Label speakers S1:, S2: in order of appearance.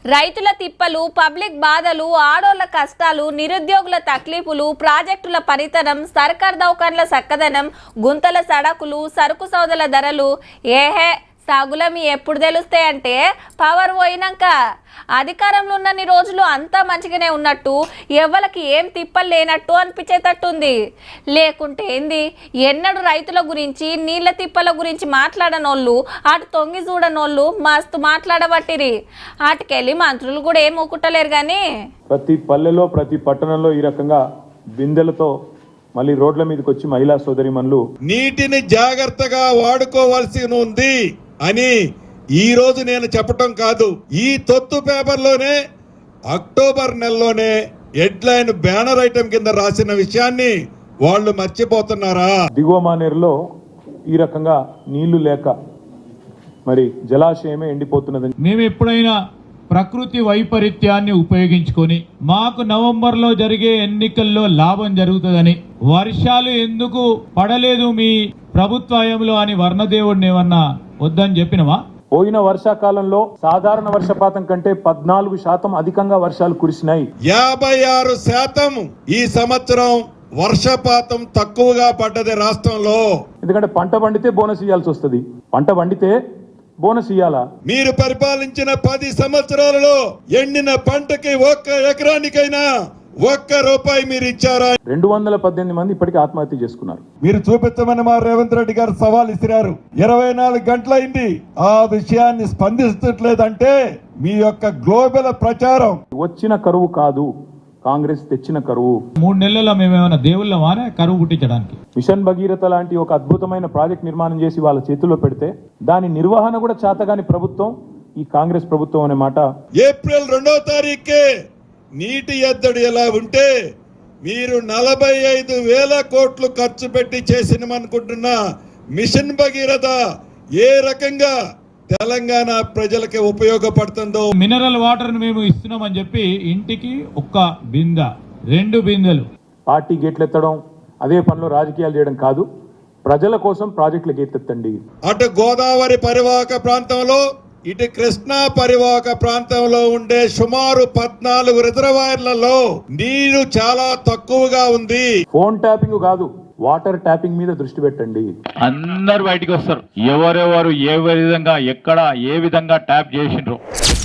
S1: రైతుల తిప్పలు, పబ్లిక్ బాధలు, ఆడోళ్ల కష్టాలు, నిరుద్యోగుల తక్లీఫులు, ప్రాజెక్టుల పనితనం, సర్కార్ దౌకాన్ల సక్కదనం, గుంతల సడకులు, సరుకు సౌదల ధరలు ఏహే సాగులమి ఎప్పుడు తెలుస్తాయంటే పవర్ పోయినాక. అధికారంలో ఉన్నన్ని రోజులు అంతా మంచిగానే ఉన్నట్టు, ఎవ్వలకి ఏం తిప్పలు లేనట్టు అనిపించేటట్టుంది. లేకుంటే ఏంది, ఎన్నడూ రైతుల గురించి, నీళ్ల తిప్పల గురించి మాట్లాడనోళ్ళు, అటు తొంగి చూడనోళ్ళు మస్తు మాట్లాడబట్టిరి. అటుకెళ్ళి మంత్రులు కూడా ఏం ఊకుట్టలేరు. కానీ
S2: ప్రతి పల్లెలో, ప్రతి పట్టణంలో ఈ రకంగా బిందెలతో మళ్ళీ రోడ్ల మీదకి వచ్చి మహిళా సోదరిమణులు
S3: నీటిని జాగ్రత్తగా వాడుకోవాల్సి ఉంది అని ఈ రోజు నేను చెప్పటం కాదు, ఈ తొత్తు పేపర్లోనే అక్టోబర్ నెలలోనే హెడ్లైన్ బ్యానర్ ఐటమ్ కింద రాసిన విషయాన్ని వాళ్ళు మర్చిపోతున్నారా?
S2: దిగువ మానేరులో ఈ రకంగా నీళ్లు లేక మరి జలాశయమే ఎండిపోతున్నదని
S4: మేము ఎప్పుడైనా ప్రకృతి వైపరీత్యాన్ని ఉపయోగించుకొని మాకు నవంబర్లో జరిగే ఎన్నికల్లో లాభం జరుగుతుందని, వర్షాలు ఎందుకు పడలేదు మీ ప్రభుత్వంలో అని వర్ణదేవుడిని ఏమన్నా వద్దని చెప్పినవా?
S2: పోయిన వర్షాకాలంలో సాధారణ వర్షపాతం కంటే 14% అధికంగా వర్షాలు కురిసినాయి.
S3: 56% ఈ సంవత్సరం వర్షపాతం తక్కువగా పడ్డది రాష్ట్రంలో.
S2: ఎందుకంటే పంట పండితే బోనస్ ఇవ్వాల్సి వస్తుంది. పంట పండితే బోనస్ ఇవ్వాలా?
S3: మీరు పరిపాలించిన 10 సంవత్సరాలలో ఎండిన పంటకి ఒక్క ఎకరానికైనా ₹1 మీరు ఇచ్చారా?
S2: 218 మంది ఇప్పటికీ ఆత్మహత్య చేసుకున్నారు.
S3: మీరు చూపించమని మా రేవంత్ రెడ్డి గారు సవాల్ ఇసిరారు. 24 గంటలైంది, ఆ విషయాన్ని స్పందించట్లేదంటే మీ యొక్క గ్లోబల్ ప్రచారం.
S2: వచ్చిన కరువు కాదు, కాంగ్రెస్ తెచ్చిన కరువు.
S4: 3 నెలల్లో మేమేమైనా దేవుళ్ళమానే కరువు పుట్టించడానికి?
S2: మిషన్ భగీరథ లాంటి ఒక అద్భుతమైన ప్రాజెక్ట్ నిర్మాణం చేసి వాళ్ళ చేతుల్లో పెడితే దాని నిర్వహణ కూడా చేతగాని ప్రభుత్వం ఈ కాంగ్రెస్ ప్రభుత్వం అనే మాట.
S3: ఏప్రిల్ 2వ తారీఖుకే నీటి ఎద్దడి ఎలా ఉంటే మీరు 45,000 కోట్లు ఖర్చు పెట్టి చేసినమనుకుంటున్న మిషన్ భగీరథ ఏ రకంగా తెలంగాణ ప్రజలకి ఉపయోగపడుతుందో.
S4: మినరల్ వాటర్ మేము ఇస్తున్నామని చెప్పి ఇంటికి 1 బిందె 2 బిందెలు
S2: పార్టీ గేట్లెత్తడం, అదే పనిలో రాజకీయాలు చేయడం కాదు. ప్రజల కోసం ప్రాజెక్టులు గేట్లెత్తండి.
S3: అటు గోదావరి పరివాహక ప్రాంతంలో, ఇటు కృష్ణా పరివాహక ప్రాంతంలో ఉండే సుమారు 14 రిజర్వాయర్లలో నీరు చాలా తక్కువగా ఉంది.
S2: ఫోన్ ట్యాపింగ్ కాదు, వాటర్ ట్యాపింగ్ మీద దృష్టి పెట్టండి.
S5: అందరు బయటికి వస్తారు, ఎవరెవరు ఏ విధంగా ఎక్కడ ఏ విధంగా ట్యాప్ చేసిండ్రు.